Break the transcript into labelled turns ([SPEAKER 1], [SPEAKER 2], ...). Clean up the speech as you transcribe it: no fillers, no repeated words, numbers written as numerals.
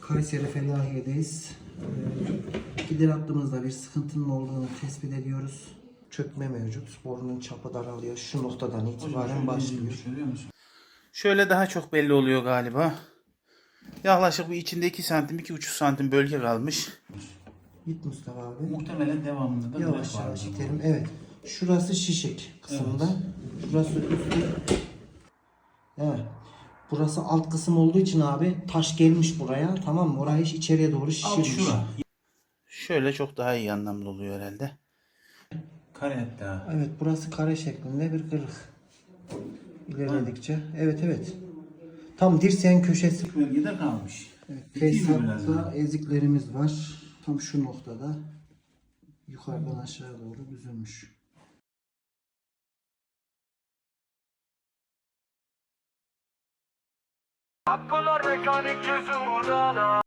[SPEAKER 1] Kayseri Felahiye'deyiz. Gider hattımızda bir sıkıntının olduğunu tespit ediyoruz. Çökme mevcut. Borunun çapı daralıyor. Şu noktadan itibaren başlıyor.
[SPEAKER 2] Şöyle daha çok belli oluyor galiba. Yaklaşık bir içinde 2 santim, 2,5 santim bölge kalmış.
[SPEAKER 1] Git Mustafa abi.
[SPEAKER 2] Muhtemelen devamında da
[SPEAKER 1] Yavaş yavaş itelim. Evet. Şurası şişik kısımda. Evet. Şurası üstü. Evet. Burası alt kısım olduğu için abi taş gelmiş buraya. Tamam mı? Orayı içeriye doğru şişirmiş.
[SPEAKER 2] Şöyle çok daha iyi anlamlı oluyor herhalde. Kare hatta.
[SPEAKER 1] Evet, burası kare şeklinde bir kırık. İlerledikçe. Evet evet. Tam dirseğin köşesi.
[SPEAKER 2] Bölgede kalmış.
[SPEAKER 1] Evet, Tesisat'ta eziklerimiz var. Tam şu noktada. Yukarıdan aşağı doğru büzülmüş.
[SPEAKER 3] Aklılar mekanik yüzü